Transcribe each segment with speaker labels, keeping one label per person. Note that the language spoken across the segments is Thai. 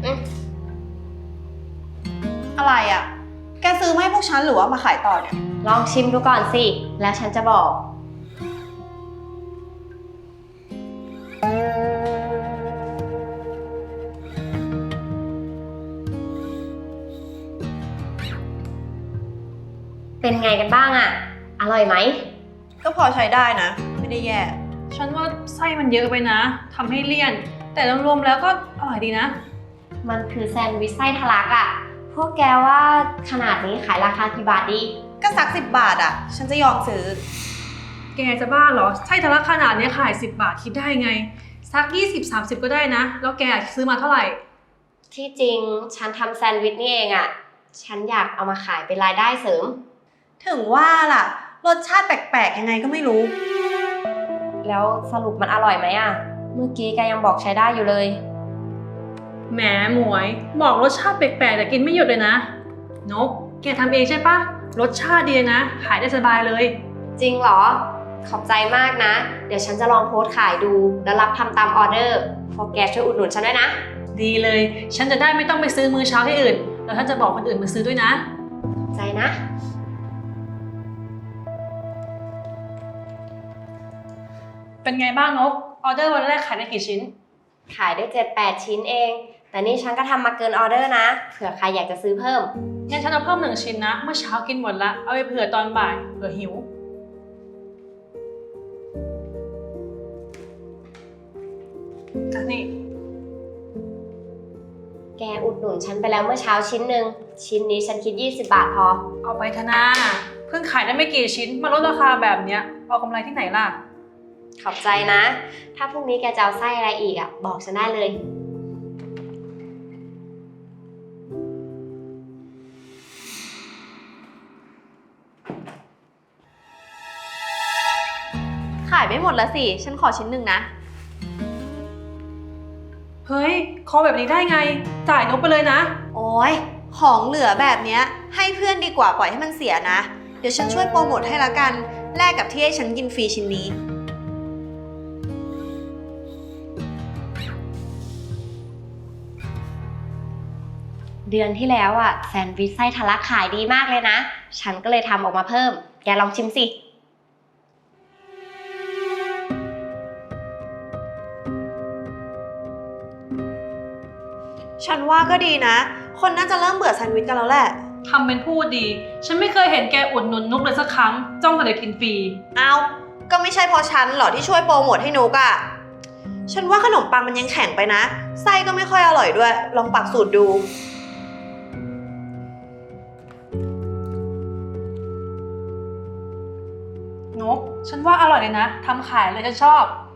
Speaker 1: อะไรอ่ะ แกซื้อมาให้พวกฉันหรือว่ามาขายต่อเนี่ย
Speaker 2: ลองชิมดูก่อนสิ แล้วฉันจะบอก เป็นไงกันบ้างอะอร่อยไหม
Speaker 1: ก็พอใช้ได้นะ ไม่ได้แย่
Speaker 3: ฉันว่าไส้มันเยอะไปนะทำให้เลี่ยน แต่รวมๆแล้วก็อร่อยดีนะ
Speaker 2: มันคือแซนด์วิชไส้ทะลักอะพวกแกว่าขนาดนี้ขายราคากี่บาทดี
Speaker 1: ก็สัก10 บาทอ่ะ ฉันจะยอมซื้อ
Speaker 3: แกจะบ้าเหรอไส้ทะลักขนาดนี้ขาย10 บาทคิดได้ไงสัก20-30ก็ได้นะแล้วแกซื้อมาเท่าไหร่
Speaker 2: ที่จริงฉันทำแซนด์วิชนี่เองอะฉันอยากเอามาขายเป็นรายได้เสริม
Speaker 1: ถึงว่าล่ะ รสชาติแปลกๆยังไงก็ไม่รู้
Speaker 2: แล้วสรุปมันอร่อยไหมอะเมื่อกี้แกยังบอกใช้ได้อยู่เลย
Speaker 3: แหมหมวยบอกรสชาติแปลกๆแต่กินไม่หยุดเลยนะนกแกทำเองใช่ปะรสชาติดีนะขายได้สบายเลย
Speaker 2: จริงเหรอ ขอบใจมากนะ เดี๋ยวฉันจะลองโพสต์ขายดูแล้วรับทำตามออเดอร์พวกแกช่วยอุดหนุนฉันด้วยนะ
Speaker 3: ดีเลยฉันจะได้ไม่ต้องไปซื้อมื้อเช้าที่อื่นแล้วฉันจะบอกคนอื่นมาซื้อด้วยนะ
Speaker 2: ขอบใจนะ
Speaker 3: เป็นไงบ้างนกออเดอร์วันแรกขายได้กี่ชิ้น
Speaker 2: ขายได้ 7-8 ชิ้นเอง แต่นี่ฉันก็ทำมาเกินออเดอร์นะ เผื่อใครอยากจะซื้อเพิ่ม
Speaker 3: งั้นฉันเอาเพิ่ม1 ชิ้นนะเมื่อเช้ากินหมดละเอาไปเผื่อตอนบ่ายเผื่อหิวอ่ะนี่
Speaker 2: แกอุดหนุนฉันไปแล้วเมื่อเช้าชิ้นหนึ่งชิ้นนี้ฉันคิด20 บาทพอ
Speaker 3: เอาไปธนาเพิ่งขายได้ไม่กี่ชิ้นมาลดราคาแบบเนี้ยเอากำไรที่ไหนล่ะ
Speaker 2: ขอบใจนะ ถ้าพรุ่งนี้แกจะเอาไส้อะไรอีกอะบอกฉันได้เลย
Speaker 1: ขายไม่หมดละสิ ฉันขอชิ้นหนึ่งนะ
Speaker 3: เฮ้ยคอแบบนี้ได้ไงจ่ายนกไปเลยนะ
Speaker 1: โอ้ยของเหลือแบบเนี้ยให้เพื่อนดีกว่าปล่อยให้มันเสียนะ เดี๋ยวฉันช่วยโปรโมทให้ละกัน แลกกับที่ให้ฉันกินฟรีชิ้นนี้
Speaker 2: เดือนที่แล้วอะแซนด์วิชไส้ทะลักขายดีมากเลยนะ ฉันก็เลยทำออกมาเพิ่ม แกลองชิมสิ
Speaker 1: ฉันว่าก็ดีนะ คนน่าจะเริ่มเบื่อแซนด์วิชกันแล้วแหละ
Speaker 3: ทำเป็นพูดดี ฉันไม่เคยเห็นแกอุดหนุนนกเลยสักครั้ง จ้องแต่จะกินฟรี
Speaker 1: เอาก็ไม่ใช่เพราะฉันหรอที่ช่วยโปรโมทให้นุกอะฉันว่าขนมปังมันยังแข็งไปนะ ไส้ก็ไม่ค่อยอร่อยด้วย ลองปรับสูตรดู
Speaker 3: นก ฉันว่าอร่อยเลยนะ ทำขายเลยฉันชอบ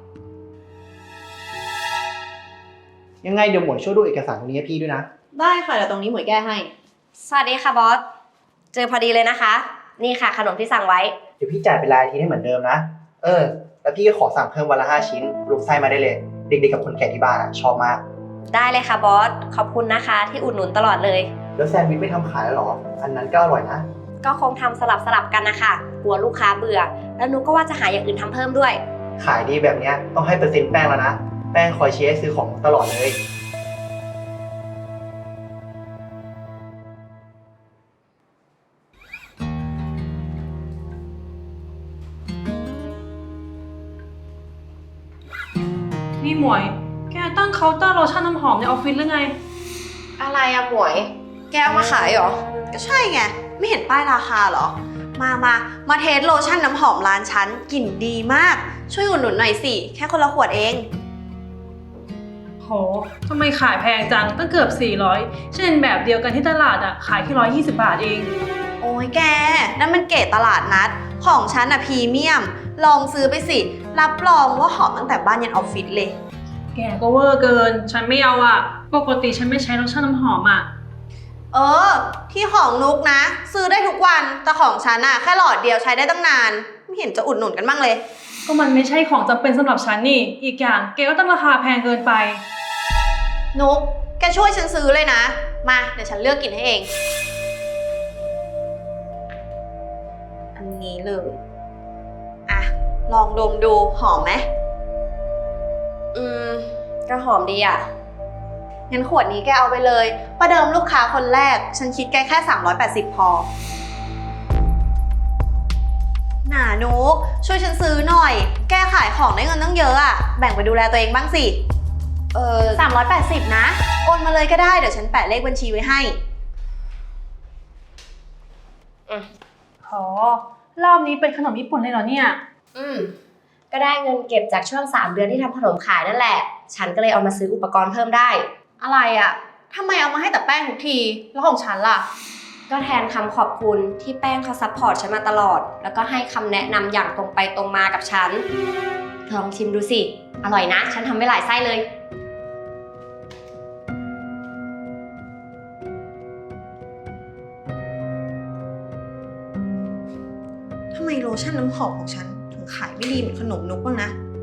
Speaker 4: ยังไงเดี๋ยวหมวยช่วยดูเอกสารตรงนี้ให้พี่ด้วยนะ
Speaker 1: ได้ค่ะเดี๋ยวตรงนี้หมวยแก้ให้
Speaker 2: สวัสดีค่ะบอส เจอพอดีเลยนะคะ นี่ค่ะขนมที่สั่งไว้
Speaker 4: เดี๋ยวพี่จ่ายเป็นรายอาทิตย์ให้เหมือนเดิมนะ แล้วพี่ก็ขอสั่งเพิ่มวันละ5 ชิ้นรวมไส้มาได้เลย เด็กๆกับคนแก่ที่บ้านอะชอบมาก
Speaker 2: ได้เลยค่ะบอส ขอบคุณนะคะที่อุดหนุนตลอดเลย
Speaker 4: แล้วแซนด์วิชไม่ทำขายแล้วเหรอ อันนั้นก็อร่อยนะ
Speaker 2: ก็คงทำสลับกันนะคะกลัวลูกค้าเบื่อ แล้วนุกก็ว่าจะหาอย่างอื่นทำเพิ่มด้วย
Speaker 4: ขายดีแบบเนี้ยต้องให้เปอร์เซ็นต์แป้งแล้วนะ แป้งคอยเชียร์ให้ซื้อของตลอดเลย
Speaker 3: นี่หมวย แกตั้งเคาน์เตอร์โลชั่นน้ำหอมในออฟฟิศหรือไง
Speaker 2: อะไรอะหมวย
Speaker 1: แกเอามาขายเหรอ ก็ใช่ไง ไม่เห็นป้ายราคาเหรอ มาเทสโลชั่นน้ำหอมร้านฉันกลิ่นดีมาก ช่วยอุดหนุนหน่อยสิ แค่คนละขวดเอง
Speaker 3: โหทำไมขายแพงจังตั้งเกือบ400เช่นแบบเดียวกันที่ตลาดอะขายแค่120 บาทเอง
Speaker 1: โอ้ยแก นั่นมันเกรดตลาดนัด ของฉันอะพรีเมียม ลองซื้อไปสิ รับรองว่าหอมตั้งแต่บ้านยันออฟฟิศเลย
Speaker 3: แกก็เวอร์เกิน ฉันไม่เอาอะปกติฉันไม่ใช้โลชั่นน้ำหอมอะ
Speaker 1: ที่ของนุกนะ ซื้อได้ทุกวัน แต่ของฉันอะแค่หลอดเดียวใช้ได้ตั้งนาน ไม่เห็นจะอุดหนุนกันบ้างเลย
Speaker 3: ก็มันไม่ใช่ของจำเป็นสำหรับฉันนี่ อีกอย่างแกก็ตั้งราคาแพงเกินไป
Speaker 1: นุก แกช่วยฉันซื้อเลยนะ มา เดี๋ยวฉันเลือกกลิ่นให้เอง อันนี้เลย อ่ะ ลองดมดู หอมไหม
Speaker 2: ก็หอมดีอะ
Speaker 1: งั้นขวดนี้แกเอาไปเลย ประเดิมลูกค้าคนแรก ฉันคิดแกแค่380พอหนานุกช่วยฉันซื้อหน่อย แกขายของได้เงินตั้งเยอะอะแบ่งไปดูแลตัวเองบ้างสิ380นะ โอนมาเลยก็ได้ เดี๋ยวฉันแปะเลขบัญชีไว้ให้
Speaker 3: รอบนี้เป็นขนมญี่ปุ่นเลยเหรอเนี่ย
Speaker 2: ก็ได้เงินเก็บจากช่วง3 เดือนที่ทำขนมขายนั่นแหละ ฉันก็เลยเอามาซื้ออุปกรณ์เพิ่มได้
Speaker 1: อะไรอะทำไมเอามาให้แต่แป้งทุกที แล้วของฉันล่ะ
Speaker 2: ก็แทนคำขอบคุณที่แป้งเขาซัพพอร์ตฉันมาตลอด แล้วก็ให้คำแนะนำอย่างตรงไปตรงมากับฉันลองชิมดูสิ อร่อยนะ ฉันทำไว้หลายไส้เลย
Speaker 1: ทำไมโลชั่นน้ำหอมของฉันถึงขายไม่ดีเหมือนขนมนุกบ้างนะ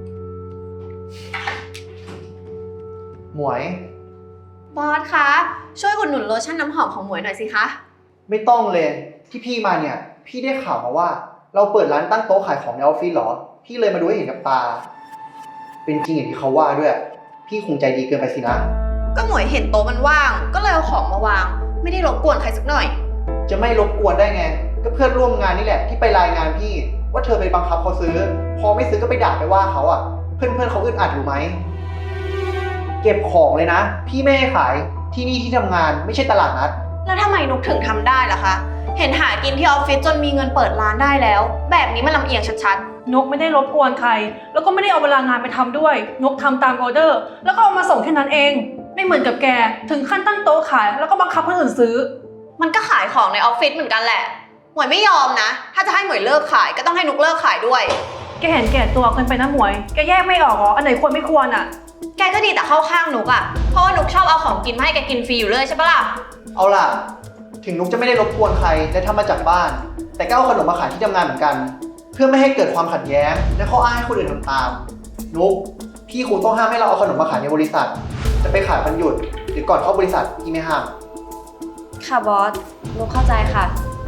Speaker 4: หมวย
Speaker 1: บอสคะ ช่วยอุดหนุนโลชั่นน้ำหอมของหมวยหน่อยสิคะ
Speaker 4: ไม่ต้องเลยที่พี่มาเนี่ย พี่ได้ข่าวมาว่า เราเปิดร้านตั้งโต๊ะขายของในออฟฟิศเหรอ พี่เลยมาดูให้เห็นกับตา เป็นจริงอย่างที่เขาว่าด้วย พี่คงใจดีเกินไปสินะ
Speaker 1: ก็หมวยเห็นโต๊ะมันว่าง ก็เลยเอาของมาวาง ไม่ได้รบกวนใครสักหน่อย
Speaker 4: จะไม่รบกวนได้ไง ก็เพื่อนร่วมงานนี่แหละที่ไปรายงานพี่ว่าเธอไปบังคับเขาซื้อ พอไม่ซื้อก็ไปด่าไปว่าเขาอ่ะ เพื่อนเขาอึดอัดอยู่ไหม เก็บของเลยนะ พี่ไม่ให้ขายที่นี่ที่ทำงานไม่ใช่ตลาดนัด
Speaker 1: แล้วทำไมนุกถึงทำได้ล่ะคะ เห็นหากินที่ออฟฟิศจนมีเงินเปิดร้านได้แล้ว แบบนี้มันลำเอียงชัด
Speaker 3: นกไม่ได้รบกวนใคร แล้วก็ไม่ได้เอาเวลางานไปทำด้วย นกทำตามออเดอร์ แล้วก็เอามาส่งแค่นั้นเอง ไม่เหมือนกับแก ถึงขั้นตั้งโต๊ะขาย แล้วก็บังคับคนอื่นซื้อ
Speaker 1: ๆ มันก็ขายของในออฟฟิศเหมือนกันแหละ หมวยไม่ยอมนะ ถ้าจะให้หมวยเลิกขายก็ต้องให้นุกเลิกขายด้วย
Speaker 3: แกเห็นแก่ตัวเกินไปนะหมวย แกแยกไม่ออกเหรอ อันไหนควรไม่ควรอ่ะ
Speaker 1: แกก็ดีแต่เข้าข้างนุกอะเพราะว่านุกชอบเอาของกินมาให้แกกินฟรีอยู่เลยใช่ปะล่ะ
Speaker 4: เอาล่ะ ถึงนุกจะไม่ได้รบกวนใครและทำมาจากบ้าน แต่ก็เอาขนมมาขายที่ทำงานเหมือนกัน เพื่อไม่ให้เกิดความขัดแย้ง และข้ออ้างให้คนอื่นทำตาม นุกพี่คงต้องห้ามให้เราเอาขนมมาขายในบริษัท จะไปขายวันหยุดหรือก่อนเข้าบริษัทพี่ไม่ห้าม
Speaker 2: ค่ะบอสนุกเข้าใจค่ะ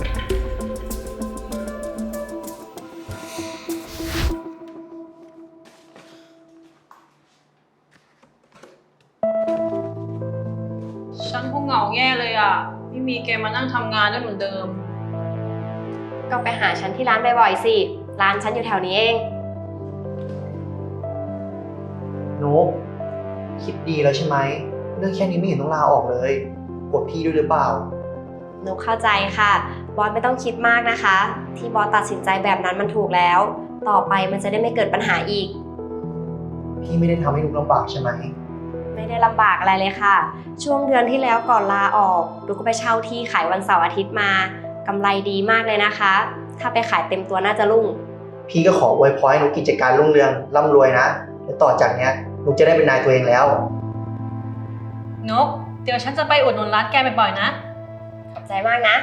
Speaker 3: ฉันคงเหงาแย่เลยอ่ะ ไม่มีแกมานั่งทำงานได้เหมือนเดิม
Speaker 2: ก็ไปหาฉันที่ร้านบ่อยๆสิ ร้านฉันอยู่แถวนี้เอง
Speaker 4: นุกคิดดีแล้วใช่ไหมเรื่องแค่นี้ไม่เห็นต้องลาออกเลยกดพี่ด้วยหรือเปล่า
Speaker 2: นุกเข้าใจค่ะ บอสไม่ต้องคิดมากนะคะ ที่บอสตัดสินใจแบบนั้นมันถูกแล้ว ต่อไปมันจะได้ไม่เกิดปัญหาอีก
Speaker 4: พี่ไม่ได้ทำให้นุกลำบากใช่ไหม
Speaker 2: ไม่ได้ลำบากอะไรเลยค่ะ ช่วงเดือนที่แล้วก่อนลาออกนุกก็ไปเช่าที่ขายวันเสาร์อาทิตย์มากำไรดีมากเลยนะคะ ถ้าไปขายเต็มตัวน่าจะรุ่ง
Speaker 4: พี่ก็ขออวยพรให้นุกกิจการรุ่งเรืองร่ำรวยนะและต่อจากเนี้ยนุกจะได้เป็นนายตัวเองแล้ว
Speaker 3: นก เดี๋ยวฉันจะไปอุดหนุนร้านแกบ่อยๆนะ
Speaker 2: ขอบใจมากนะ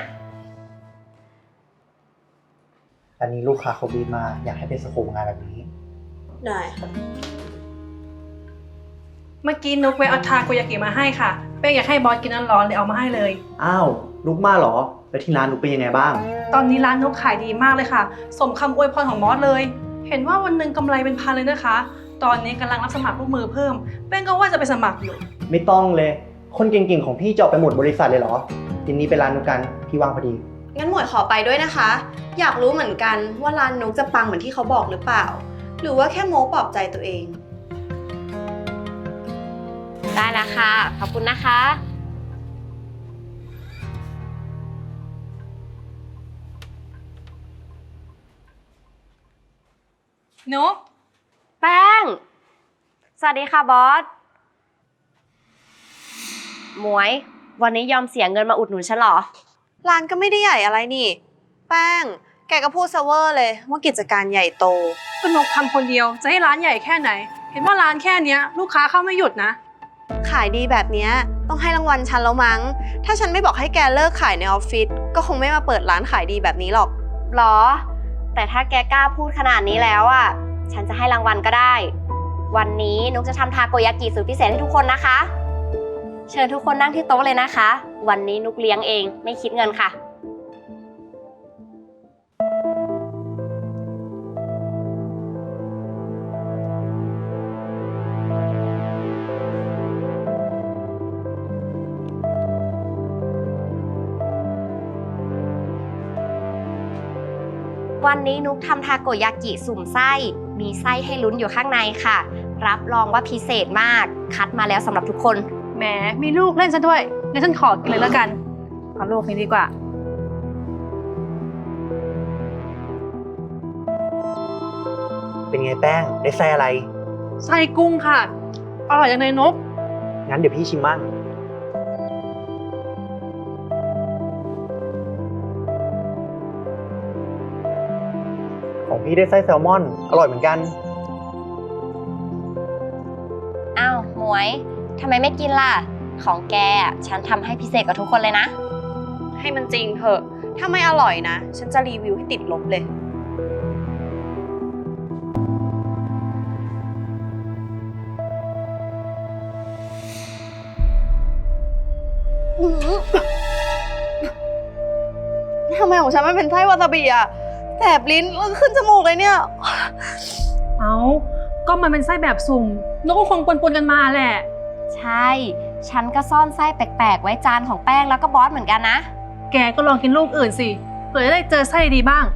Speaker 4: อันนี้ลูกค้าเขาบีบมาอยากให้เป็นสโคปงานแบบนี้
Speaker 1: ได้
Speaker 3: เมื่อกี้นกไปเอาทาโกยากิมาให้ค่ะเป้งอยากให้บอสกินร้อนๆเลยเอามาให้เลย
Speaker 4: อ้าวนุกมาเหรอแล้วที่ร้านนุกเป็นยังไงบ้าง
Speaker 3: ตอนนี้ร้านนกขายดีมากเลยค่ะ สมคำอวยพรของบอสเลย เห็นว่าวันหนึ่งกำไรเป็นพันเลยนะคะ ตอนนี้กำลังรับสมัครลูกมือเพิ่ม เป้งก็ว่าจะไปสมัครอยู่
Speaker 4: ไม่ต้องเลย คนเก่งๆของพี่จะออกไปหมดบริษัทเลยเหรอทีนี้ไปร้านนุกกันพี่ว่างพอดี
Speaker 1: งั้นหมวยขอไปด้วยนะคะ อยากรู้เหมือนกันว่าร้านนุกจะปังเหมือนที่เขาบอกหรือเปล่า หรือว่าแค่โม้ปลอบใจตัวเอง
Speaker 2: ได้แล้วค่ะ ขอบคุณนะคะ
Speaker 3: นก
Speaker 2: แป้ง สวัสดีค่ะบอส หมวย วันนี้ยอมเสียเงินมาอุดหนุนฉันเหรอ
Speaker 1: ร้านก็ไม่ได้ใหญ่อะไรนี่ แป้ง แกก็พูดเซะเวอร์เลยว่ากิจการใหญ่โต
Speaker 3: ก็นกทำคนเดียวจะให้ร้านใหญ่แค่ไหน เห็นว่าร้านแค่เนี้ยลูกค้าเข้าไม่หยุดนะ
Speaker 1: ขายดีแบบเนี้ยต้องให้รางวัลฉันแล้วมั้ง ถ้าฉันไม่บอกให้แกเลิกขายในออฟฟิศก็คงไม่มาเปิดร้านขายดีแบบนี้หรอก
Speaker 2: หรอ แต่ถ้าแกกล้าพูดขนาดนี้แล้วอ่ะ ฉันจะให้รางวัลก็ได้ วันนี้นุกจะทำทาโกยากิสูตรพิเศษให้ทุกคนนะคะ เชิญทุกคนนั่งที่โต๊ะเลยนะคะ วันนี้นุกเลี้ยงเองไม่คิดเงินค่ะวันนี้นุกทำทาโกยากิสุ่มไส้ มีไส้ให้ลุ้นอยู่ข้างในค่ะ รับรองว่าพิเศษมาก คัดมาแล้วสำหรับทุกคน
Speaker 3: แหมมีลูกเล่นซะด้วยงั้นฉันขอกินเลยแล้วกันเอาลูกนี้ดีกว่า
Speaker 5: เป็นไงแป้ง ได้ไส้อะไร
Speaker 3: ไส้กุ้งค่ะ อร่อยจังเลยนก
Speaker 5: งั้นเดี๋ยวพี่ชิมมั่งของพี่ได้ไส้แซลมอน อร่อยเหมือนกัน
Speaker 2: อ้าวหมวยทำไมไม่กินล่ะ ของแกอะฉันทำให้พิเศษกับทุกคนเลยนะ
Speaker 1: ให้มันจริงเถอะ ถ้าไม่อร่อยนะ ฉันจะรีวิวให้ติดลบเลย ทำไมของฉันไม่เป็นไส้วาซาบิอะแสบลิ้นแล้วก็ขึ้นจมูกเลยเนี่ย
Speaker 3: เอาก็มันเป็นไส้แบบสุ่มนกก็คงปนๆกันมาแหละ
Speaker 2: ใช่ ฉันก็ซ่อนไส้แปลกๆ ไว้จานของแป้งแล้วก็บอสเหมือนกันนะ
Speaker 3: แกก็ลองกินลูกอื่นสิเผื่อจะได้เจอไส้ดีบ้าง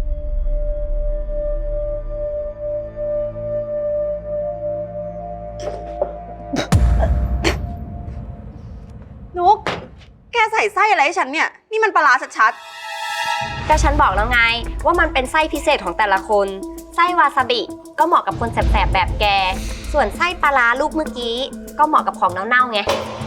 Speaker 1: นุก แกใส่ไส้อะไรให้ฉันเนี่ย นี่มันปลาร้าชัด
Speaker 2: ก็ฉันบอกแล้วไงว่ามันเป็นไส้พิเศษของแต่ละคน ไส้วาซาบิก็เหมาะกับคนแสบๆแบบแก ส่วนไส้ปลาร้าลูกเมื่อกี้ก็เหมาะกับของเน่าๆไง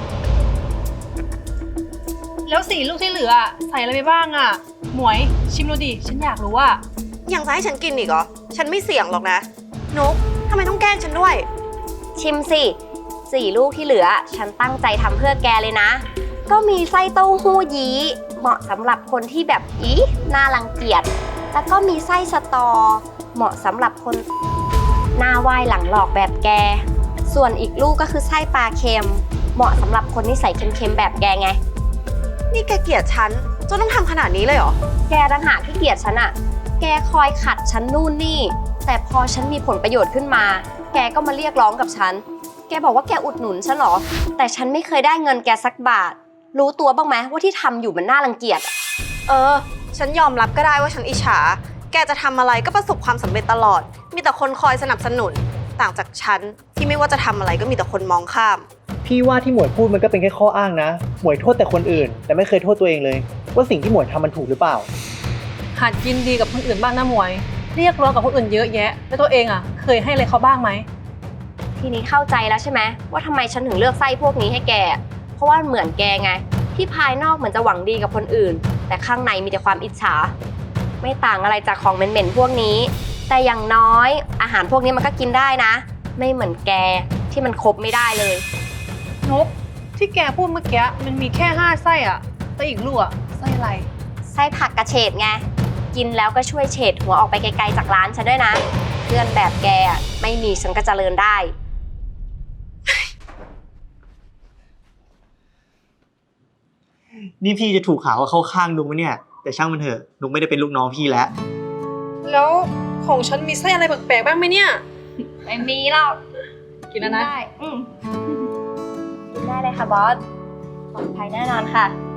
Speaker 3: แล้ว4 ลูกที่เหลือใส่อะไรไปบ้างอ่ะ หมวยชิมดูดิฉันอยากรู้ว่า
Speaker 1: ๆ ยังจะให้ฉันกินอีกเหรอ ฉันไม่เสี่ยงหรอกนะ นุกทำไมต้องแกล้งฉันด้วย
Speaker 2: ชิมสิ4 ลูกที่เหลือ ฉันตั้งใจทำเพื่อแกเลยนะ ก็มีไส้เต้าหู้ยี้เหมาะสำหรับคนที่แบบน่ารังเกียจ แล้วก็มีไส้สตอ เหมาะสำหรับคนหน้าไหว้หลังหลอกแบบแก ส่วนอีกลูกก็คือไส้ปลาเค็ม เหมาะสำหรับคนนิสัยเค็มๆแบบแกไง
Speaker 1: นี่แกเกลียดฉันจนต้องทำขนาดนี้เลยเหรอ
Speaker 2: แกต่างหากที่เกลียดฉันอะแกคอยขัดฉันนู่นนี่ แต่พอฉันมีผลประโยชน์ขึ้นมา แกก็มาเรียกร้องกับฉัน แกบอกว่าแกอุดหนุนฉันเหรอ แต่ฉันไม่เคยได้เงินแกสักบาท รู้ตัวบ้างไหมว่าที่ทำอยู่มันน่ารังเกียจอะ
Speaker 1: เออ ฉันยอมรับก็ได้ว่าฉันอิจฉา แกจะทำอะไรก็ประสบความสำเร็จตลอด มีแต่คนคอยสนับสนุน ต่างจากฉันที่ไม่ว่าจะทำอะไรก็มีแต่คนมองข้าม
Speaker 4: พี่ว่าที่หมวยพูดมันก็เป็นแค่ข้ออ้างนะ หมวยโทษแต่คนอื่น แต่ไม่เคยโทษตัวเองเลย ว่าสิ่งที่หมวยทำมันถูกหรือเปล่า
Speaker 3: หัดยินดีกับคนอื่นบ้างนะหมวย เรียกร้องกับคนอื่นเยอะแยะ แล้วตัวเองอ่ะ เคยให้อะไรเขาบ้างไหม
Speaker 2: ทีนี้เข้าใจแล้วใช่ไหมว่าทำไมฉันถึงเลือกไส้พวกนี้ให้แก เพราะว่าเหมือนแกไง ที่ภายนอกเหมือนจะหวังดีกับคนอื่น แต่ข้างในมีแต่ความอิจฉา ไม่ต่างอะไรจากของเหม็นๆพวกนี้ แต่อย่างน้อยอาหารพวกนี้มันก็กินได้นะ ไม่เหมือนแกที่มันครบไม่ได้เลย
Speaker 3: นก ที่แกพูดเมื่อกี้มันมีแค่5 ไส้อ่ะแต่อีกลูกอ่ะไส้อะไร
Speaker 2: ไส้ผักกระเฉดไง กินแล้วก็ช่วยเฉดหัวออกไปไกลๆจากร้านฉันด้วยนะ เพื่อนแบบแกอะไม่มีฉันก็เจริญได้
Speaker 5: นี่พี่จะถูกข่าวว่าเข้าข้างนุกไหมเนี่ย แต่ช่างมันเถอะ นุกไม่ได้เป็นลูกน้องพี่แล้ว
Speaker 3: แล้วของฉันมีไส้อะไรแปลกๆบ้างไหมเนี่ย
Speaker 2: ไม่มีหรอก
Speaker 3: กินแล้วนะ
Speaker 2: ได้กินได้เลยค่ะบอสปลอดภัยแน่นอนค่ะ